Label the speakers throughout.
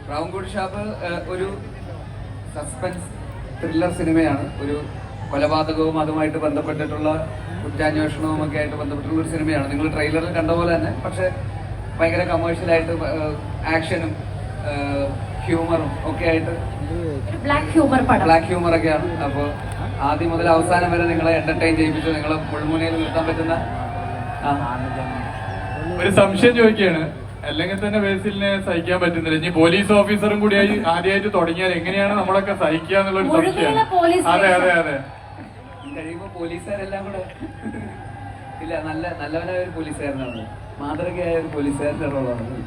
Speaker 1: പ്രാവൻകൂടി ഷാപ്പ് ഒരു suspense thriller സിനിമയാണ്. ഒരു കൊലപാതകവും അതുമായിട്ട് ബന്ധപ്പെട്ടിട്ടുള്ള കുറ്റാന്വേഷണവും ഒക്കെ ആയിട്ട് ബന്ധപ്പെട്ടുള്ള ഒരു സിനിമയാണ്. നിങ്ങൾ ട്രെയിലറിൽ കണ്ട പോലെ തന്നെ, പക്ഷെ ഭയങ്കര കമേഴ്ഷ്യലായിട്ട് ആക്ഷനും ഹ്യൂമറും ഒക്കെ ആയിട്ട് ബ്ലാക്ക് ഹ്യൂമർ ഒക്കെയാണ്. അപ്പോൾ ആദ്യം മുതൽ അവസാനം വരെ നിങ്ങളെ എന്റർടൈൻ ചെയ്യിപ്പിച്ച് നിങ്ങളെ മുൾമുനയിൽ നിർത്താൻ പറ്റുന്ന
Speaker 2: ഒരു സംശയം ചോദിക്കുകയാണ്. അല്ലെങ്കിൽ തന്നെ ബേസിലിനെ സഹിക്കാൻ പറ്റുന്നില്ല. ഇനി പോലീസ് ഓഫീസറും കൂടി ആദ്യമായിട്ട് തുടങ്ങിയാൽ എങ്ങനെയാണ് നമ്മളൊക്കെ സഹിക്കുക എന്നുള്ളൊരു സംശയമാണ്. അതെ അതെ അതെ
Speaker 1: കഴിയുമ്പോ പോലീസുകാരെല്ലാം കൂടെ ഇല്ല, നല്ലവനായ ഒരു പോലീസുകാരനാണ്, മാതൃകയായ ഒരു പോലീസുകാരൻ്റെ റോളാണ്.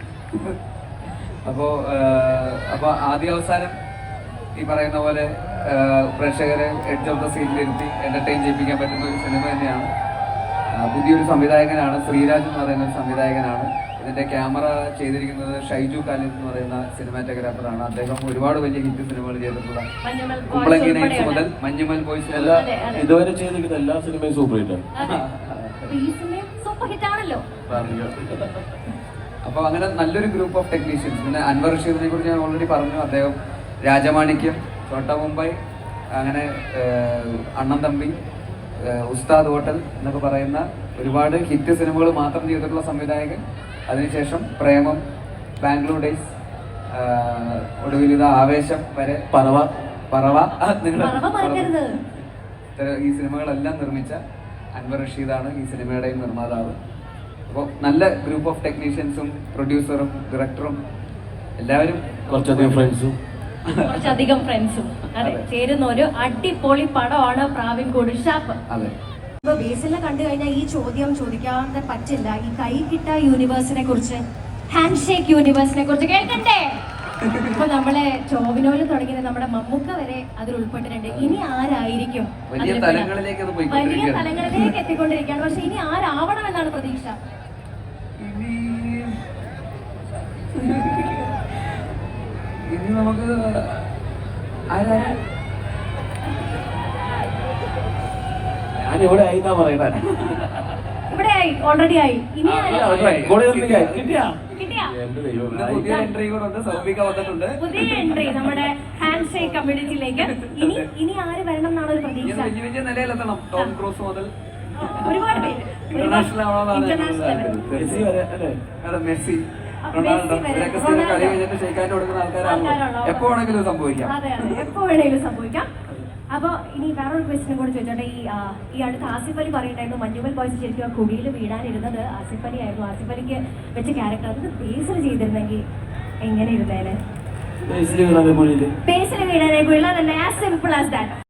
Speaker 1: അപ്പൊ ആദ്യ അവസാനം ഈ പറയുന്ന പോലെ പ്രേക്ഷകരെ എഡ്ജ് ഓഫ് ദ സീനിലിരുത്തി എന്റർടൈൻ ചെയ്യിപ്പിക്കാൻ പറ്റുന്ന ഒരു സിനിമ തന്നെയാണ്. പുതിയൊരു സംവിധായകനാണ്, ശ്രീരാജ് എന്ന് പറയുന്ന ഒരു സംവിധായകനാണ്. ഇതിന്റെ ക്യാമറ ചെയ്തിരിക്കുന്നത് ഷൈജു കാലിൻ എന്ന് പറയുന്ന സിനിമാറ്റോഗ്രാഫറാണ്. അദ്ദേഹം ഒരുപാട് വലിയ ഹിറ്റ് സിനിമകൾ ചെയ്തിട്ടുള്ള കുമ്പളങ്ങി നൈറ്റ്സ് മുതൽ മഞ്ഞുമൽ ബോയ്സ്
Speaker 3: ഇതുവരെ ചെയ്തിരിക്കുന്ന എല്ലാ സിനിമയും സൂപ്പർ ഹിറ്റാണ്.
Speaker 1: അപ്പൊ അങ്ങനെ നല്ലൊരു ഗ്രൂപ്പ് ഓഫ് ടെക്നീഷ്യൻസ്. പിന്നെ അൻവർ റഷീദിനെ കുറിച്ച് ഞാൻ ഓൾറെഡി പറഞ്ഞു. അദ്ദേഹം രാജമാണിക്യം, ചോട്ട മുംബൈ, അങ്ങനെ അണ്ണൻ തമ്പി, ഉസ്താദ് ഹോട്ടൽ എന്നൊക്കെ പറയുന്ന ഒരുപാട് ഹിറ്റ് സിനിമകൾ മാത്രം ചെയ്തിട്ടുള്ള സംവിധായകൻ. അതിനുശേഷം പ്രേമം, ബാംഗ്ലൂർ ഡേയ്സ്, ഒടുവിൽ ഇത് ആവേശം വരെ, പറവ നിങ്ങൾ ഈ സിനിമകളെല്ലാം നിർമ്മിച്ച അൻവർ റഷീദാണ് ഈ സിനിമയുടെയും നിർമ്മാതാവ്. അപ്പോൾ നല്ല ഗ്രൂപ്പ് ഓഫ് ടെക്നീഷ്യൻസും പ്രൊഡ്യൂസറും ഡയറക്ടറും എല്ലാവരും
Speaker 3: കുറച്ചധികം
Speaker 4: ഫ്രണ്ട്സും ചേരുന്ന ഒരു അടിപൊളി പടമാണ് പ്രാവൻകൂടി ഷാപ്പ്.
Speaker 1: അതെ,
Speaker 4: ഇപ്പൊ ബേസിലെ കണ്ടു കഴിഞ്ഞാൽ ഈ ചോദ്യം ചോദിക്കാതെ പറ്റില്ല. ഈ കൈകിട്ട യൂണിവേഴ്സിനെ കുറിച്ച്, ഹാൻഡ് ഷേക്ക് യൂണിവേഴ്സിനെ കുറിച്ച് കേൾക്കണ്ടേ? ഇപ്പൊ നമ്മളെ ടോവിനോയിൽ തുടങ്ങിയത് നമ്മുടെ മമ്മൂക്ക വരെ അതിൽ ഉൾപ്പെട്ടിട്ടുണ്ട്. ഇനി ആരായിരിക്കും?
Speaker 1: വലിയ തലങ്ങളിലേക്ക്
Speaker 4: എത്തിക്കൊണ്ടിരിക്കുകയാണ്. പക്ഷെ ഇനി ആരാവണം എന്നാണ് പ്രതീക്ഷ?
Speaker 1: ഇനി നമുക്ക്
Speaker 3: ഞാനിവിടെ ആയിന്നാ പറയണ.
Speaker 4: ഇവിടെ ആയി, ഓൾറെഡി ആയി. ഇനി
Speaker 1: പുതിയ എൻട്രി കൂടെ ഉണ്ട്, സൗബിക വന്നിട്ടുണ്ട്.
Speaker 4: പുതിയ എൻട്രി നമ്മുടെ ഹാൻഡ് ഷേക്ക് കമ്മ്യൂണിറ്റിയിലേക്ക്. ഇനി ആര് വരണം എന്നാണ് ഒരു പ്രതീക്ഷ?
Speaker 1: വലിയ നിലയിലെത്തണം. ടോം ക്രൂസ് മുതൽ
Speaker 4: ഒരുപാട് പേര്,
Speaker 1: ഇന്റർനാഷണൽ മെസ്സി, റൊണാൾഡോ, ഇവരൊക്കെ സ്ഥിരം കളി കഴിഞ്ഞിട്ട് ഷെയ്ക്കാൻഡ് കൊടുക്കുന്ന ആൾക്കാരാണല്ലോ. എപ്പോ വേണമെങ്കിലും സംഭവിക്കാം.
Speaker 4: അതെ, എപ്പോ വേണമെങ്കിലും സംഭവിക്കാം. അപ്പൊ ഇനി വേറൊരു ക്വസ്റ്റ്യൻ കൂടെ ചോദിച്ചോട്ടെ. ഈ അടുത്ത് ആസിഫ് അലി പറയുണ്ടായിരുന്നു മഞ്ഞുമൽ ബോയ്സ് ശരിക്കും ആ കുടിയിൽ വീടാനിരുന്നത് ആസിഫ് അലി ആയിരുന്നു. ആസിഫ് അലിക്ക് വെച്ച ക്യാരക്ടർ അത് ബേസിൽ ചെയ്തിരുന്നെങ്കിൽ എങ്ങനെ ഇരുന്നേനെ? ബേസിൽ വീടാനായി കൊള്ളാതല്ലേ? As simple as that.